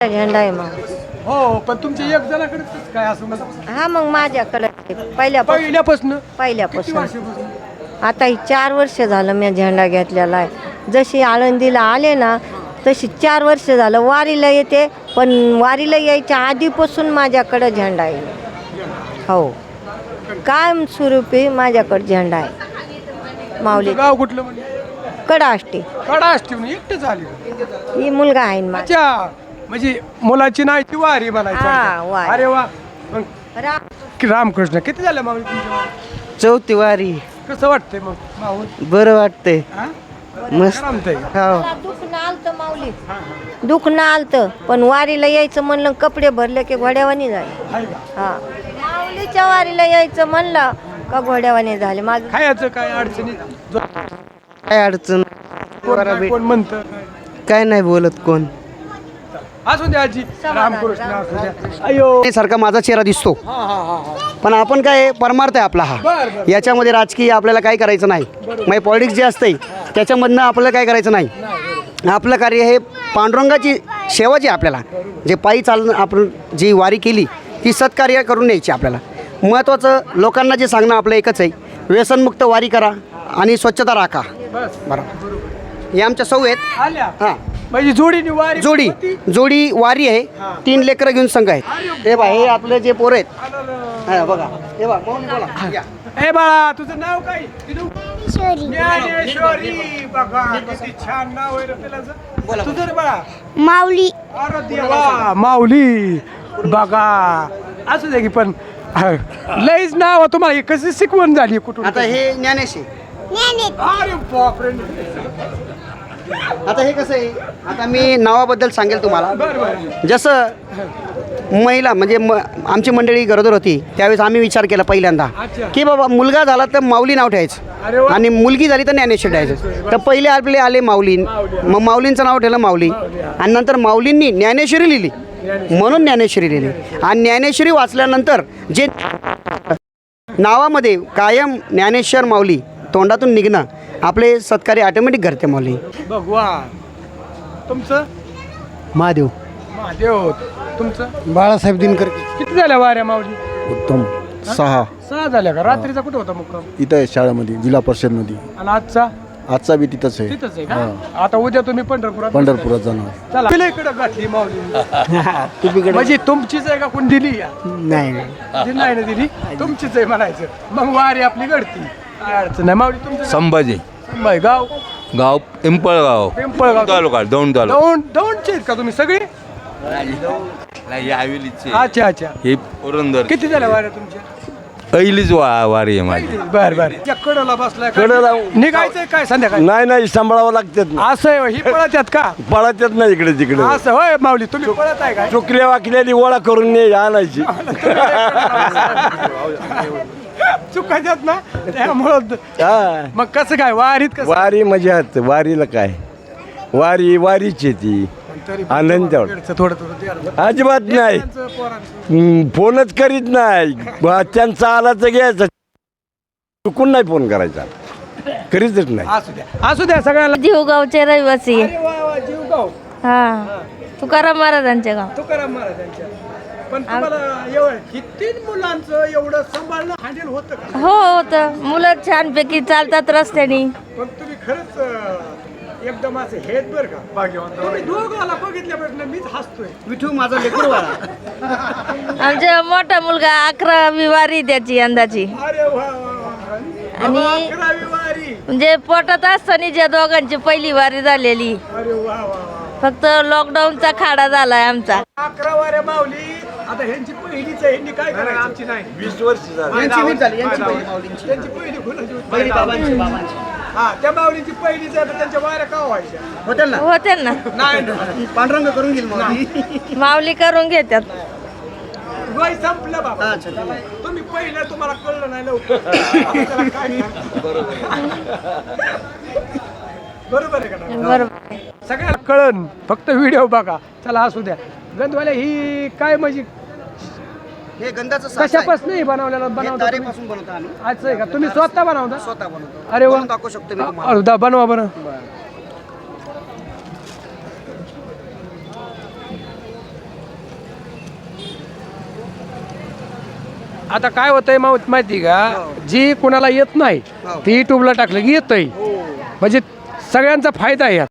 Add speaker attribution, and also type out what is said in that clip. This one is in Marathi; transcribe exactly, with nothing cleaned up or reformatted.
Speaker 1: झेंडा आहे मग.
Speaker 2: हो पण तुमच्या एक जणाकडेच काय असं म्हणजे
Speaker 1: हा मग माझ्याकडे पहिल्यापासून
Speaker 2: पहिल्यापासून
Speaker 1: पहिल्यापासून
Speaker 2: वर्षापासून
Speaker 1: आता ही चार वर्ष झालं मी झेंडा घेतलेला आहे. जशी आळंदीला आले ना तशी चार वर्ष झालं वारीला येते, पण वारीला यायच्या आधीपासून माझ्याकडं झेंडा आहे. हो कायम स्वरूपी माझ्याकडे झेंडा आहे. माऊली
Speaker 2: गाव कुठलं म्हणजे
Speaker 1: कडा असते
Speaker 2: कडा असते म्हणजे एकटंच आले
Speaker 1: ही मुलगा आहे ना माझा.
Speaker 2: अच्छा म्हणजे मुलाची नाही ती वारी
Speaker 1: हा,
Speaker 2: म्हणायची.
Speaker 1: वारी.
Speaker 2: अरे वा मग
Speaker 1: राम
Speaker 2: कि रामकृष्ण किती झालं माऊली तुमच्या वारी?
Speaker 3: चौथी वारी.
Speaker 2: कसं वाटतंय मग माऊल
Speaker 3: बरं वाटतंय.
Speaker 2: हा?
Speaker 3: मस्त.
Speaker 2: करमतंय.
Speaker 3: हो.
Speaker 1: दुखणं आलतं माऊली दुखणं आलतं, पण वारीला यायचं म्हणलं कपडे भरले की घोड्यावानी झाले.
Speaker 2: आहे का?
Speaker 1: हा माऊलीच्या वारीला यायचं म्हणलं का घोड्यावानी झाले. माझं
Speaker 2: खायचं काय अडचणी
Speaker 3: काय अडचण
Speaker 2: कोण
Speaker 3: बरं
Speaker 2: काय-
Speaker 3: भेट-
Speaker 2: कोण म्हणतं
Speaker 3: काय नाही बोलत कोण.
Speaker 2: असू द्या आजी रामकृष्ण असू द्या. अयो
Speaker 3: सारखा माझा चेहरा दिसतो,
Speaker 2: हा हा हा हा
Speaker 3: पण आपण काय परमार्थ आहे आपला हा.
Speaker 2: बर बर
Speaker 3: याच्यामध्ये राजकीय आपल्याला काय करायचं नाही. म्हणजे पॉलिटिक्स जे असते त्याच्यामधनं आपल्याला काय करायचं नाही. आपलं कार्य हे पांडुरंगाची सेवा जी आहे आपल्याला, जे पायी चालणं आपण जी वारी केली ती सत्कार्य करून न्यायची. आपल्याला महत्त्वाचं लोकांना जे सांगणं आपलं एकच आहे, व्यसनमुक्त वारी करा आणि स्वच्छता राखा.
Speaker 2: बस
Speaker 3: बरं हे आमच्या सौ आहेत.
Speaker 2: आल्या
Speaker 3: हां
Speaker 2: म्हणजे जोडीने वारी
Speaker 3: जोडी
Speaker 2: होती.
Speaker 3: जोडी वारी आहे. तीन लेकरं घेऊन संघ आहेत. हे बा हे आपले जे पोरं आहेत.
Speaker 2: आलं.
Speaker 3: हा बघा हे बा मौनी बोला. या.
Speaker 2: ए बाळा तुझं नाव काय? ज्ञानेश्वरी. बघा किती छान नाव आहे रे पिलाचं. तुझं रे बाळा
Speaker 4: माऊली.
Speaker 2: अरे देवा माऊली. बघा असू दे की पण लईच नाव तुम्हाला हे कशी शिकवण झाली कुठून?
Speaker 3: आता हे ज्ञानेश आहे.
Speaker 2: अरे बापरे.
Speaker 3: आता हे कसं आहे, आता मी नावाबद्दल सांगेल तुम्हाला.
Speaker 2: बर बर
Speaker 3: जसं महिला म्हणजे म आमची मंडळी गरोदर होती त्यावेळेस आम्ही विचार केला पहिल्यांदा
Speaker 2: अच्छा.
Speaker 3: की बाबा मुलगा झाला तर माऊली नाव
Speaker 2: अरे
Speaker 3: ठेवायचं
Speaker 2: वा.
Speaker 3: आणि मुलगी झाली तर ज्ञानेश्वर ठेवायचं. तर पहिले आपले आले माऊली, मग माऊलींचं नाव ठेवलं माऊली, आणि नंतर माऊलींनी ज्ञानेश्वरी लिहिली म्हणून ज्ञानेश्वरी लिहिली. आणि ज्ञानेश्वरी वाचल्यानंतर जे नावामध्ये कायम ज्ञानेश्वर माऊली तोंडातून निघणं आपले सत्कार्य ऑटोमॅटिक घडते. माऊली
Speaker 2: भगवान. तुमचं
Speaker 5: महादेव
Speaker 2: महादेव. तुमचं
Speaker 5: बाळासाहेब दिनकर.
Speaker 2: किती झाल्या वाऱ्या माऊली?
Speaker 5: उत्तम. सहा.
Speaker 2: सहा झाल्या का? रात्रीचा कुठे होता मुक्काम?
Speaker 5: इथं आहे शाळेमध्ये, जिल्हा परिषदमध्ये.
Speaker 2: आणि आजचा
Speaker 5: आजचा बी तिथंच आहे.
Speaker 2: तिथंच आहे का? आता उद्या तुम्ही पंढरपुरात
Speaker 5: पंढरपुरात जाणार.
Speaker 2: चला पिला इकडं घातली माऊली. म्हणजे तुमचीच आहे का कोण दिली? या
Speaker 5: नाही
Speaker 2: दिली नाही ना दिली, तुमचीच आहे म्हणायचं. मग वारी आपली घडती, काय अडचण नाही. माऊली तुमचं
Speaker 6: संभाजी
Speaker 2: संभाजी गाव
Speaker 6: गाव पिंपळगाव
Speaker 2: पिंपळगाव
Speaker 6: तालुका दौंड तालुका
Speaker 2: दौंड दौंडचे आहेत का तुम्ही सगळे?
Speaker 6: नाही हवेलीचे
Speaker 2: अच्छा अच्छा.
Speaker 6: हे पुरंदर
Speaker 2: किती झाल्या वाऱ्या तुमच्या?
Speaker 6: पहिलीच वा वारी आहे माझी.
Speaker 2: बर बर. त्या कडला बसलाय का?
Speaker 7: कडला-
Speaker 2: निघायचंय काय संध्याकाळी?
Speaker 7: नाही नाही सांभाळावं लागतात ना.
Speaker 2: असं आहे होय, ही पळत आहेत का?
Speaker 7: पळत येत नाही इकडे तिकडे.
Speaker 2: असं होय माऊली, तुम्ही पळत आहे काय?
Speaker 7: चुकल्या वाकल्याने ओळा करून नाही आणायची.
Speaker 2: चुकायच्यात ना त्यामुळं.
Speaker 7: हा.
Speaker 2: मग कसं काय वारीत कसं?
Speaker 7: वारी मजात. वारीला काय, वारी वारीची आहे ती.
Speaker 2: तरी
Speaker 7: आनंद तेवढा.
Speaker 2: थोडं थोडं द्या.
Speaker 7: अजिबात नाही.
Speaker 2: पोरांचं, पोरांचं.
Speaker 7: हम्म, फोनच करीत नाही. बा, त्यांचा आला तर घ्यायचा, चुकून नाही फोन करायचा, करीतच नाही.
Speaker 2: असू द्या असू द्या सगळ्याला.
Speaker 4: जीवगावचे रहिवासी.
Speaker 2: अरे वा वा जीवगाव.
Speaker 4: हा तुकाराम महाराजांचे गाव.
Speaker 2: तुकाराम महाराजांच्या. पण तुम्हाला एवढं ही तीन मुलांचं एवढं सांभाळणं हँडल होतं का?
Speaker 4: हो होतं. मुलं छानपैकी चालतात रस्त्याने.
Speaker 2: पण तुम्ही खरंच अं, एकदम असे हेत बरं का भाग्यवान. तुम्ही दोघाला बघितल्यापासून मीच हसतोय.
Speaker 3: विठू माझा लेकरू बाळा.
Speaker 4: आमचा मोठा मुलगा अकरावी वारी त्याची यंदाची.
Speaker 2: अरे वा वा वा.
Speaker 4: आणि-
Speaker 2: बाबा, अकरावी वारी.
Speaker 4: म्हणजे पोटात असताना ज्या दोघांची पहिली वारी झालेली.
Speaker 2: अरे वा वा वा.
Speaker 4: फक्त लॉकडाऊनचा खाडा झालाय आमचा.
Speaker 2: अकरा वाऱ्या माऊली. आता ह्यांची पहिलीच आहे, ह्यांनी काय करायचं? आमची नाही.
Speaker 7: वीस वर्ष झाली.
Speaker 3: यांची वीस झाली, यांची पहिली माऊलींची.
Speaker 2: त्यांची पहिली कोणाची होती?
Speaker 3: पहिली बाबांची बाबांची
Speaker 2: हा त्या माऊलींची पहिलीच आहे, तर त्यांच्या वाऱ्या का व्हायच्या?
Speaker 3: होtel ना.
Speaker 4: होते ना.
Speaker 2: नाही नाही.
Speaker 3: पांडुरंग करून घेईल माऊली.
Speaker 4: माऊली करून घेतात.
Speaker 2: वय संपलं बाबा.
Speaker 3: अच्छा, ठीक आहे.
Speaker 2: तुम्ही पहिलं तुम्हाला कळलं नाही लवकर. आता त्याला काय सांगू? बरोबर आहे का नाही?
Speaker 4: बरोबर.
Speaker 2: सगळ्याला कळन, फक्त व्हिडिओ बघा. चला असू द्या. गंधवाले ही काय म्हणजे
Speaker 3: हे गंधाचं साच आहे.
Speaker 2: कशापासून बनवलेलं
Speaker 3: हे
Speaker 2: बनवता तुम्ही?
Speaker 3: तारेपासून बनवतो आम्ही.
Speaker 2: अच्छा आहे का? तुम्ही स्वतः बनवता?
Speaker 3: स्वतः बनवतो.
Speaker 2: अरे वा.
Speaker 3: बनवून दाखवू शकतो मी तुम्हाला.
Speaker 2: अरे दा- बनवा बरं. आता काय होतंय मा- माहिती का जी कोणाला येत नाही ती युट्यूबला टाकलं की येतंय म्हणजे सगळ्यांचा फायदा आहे यात.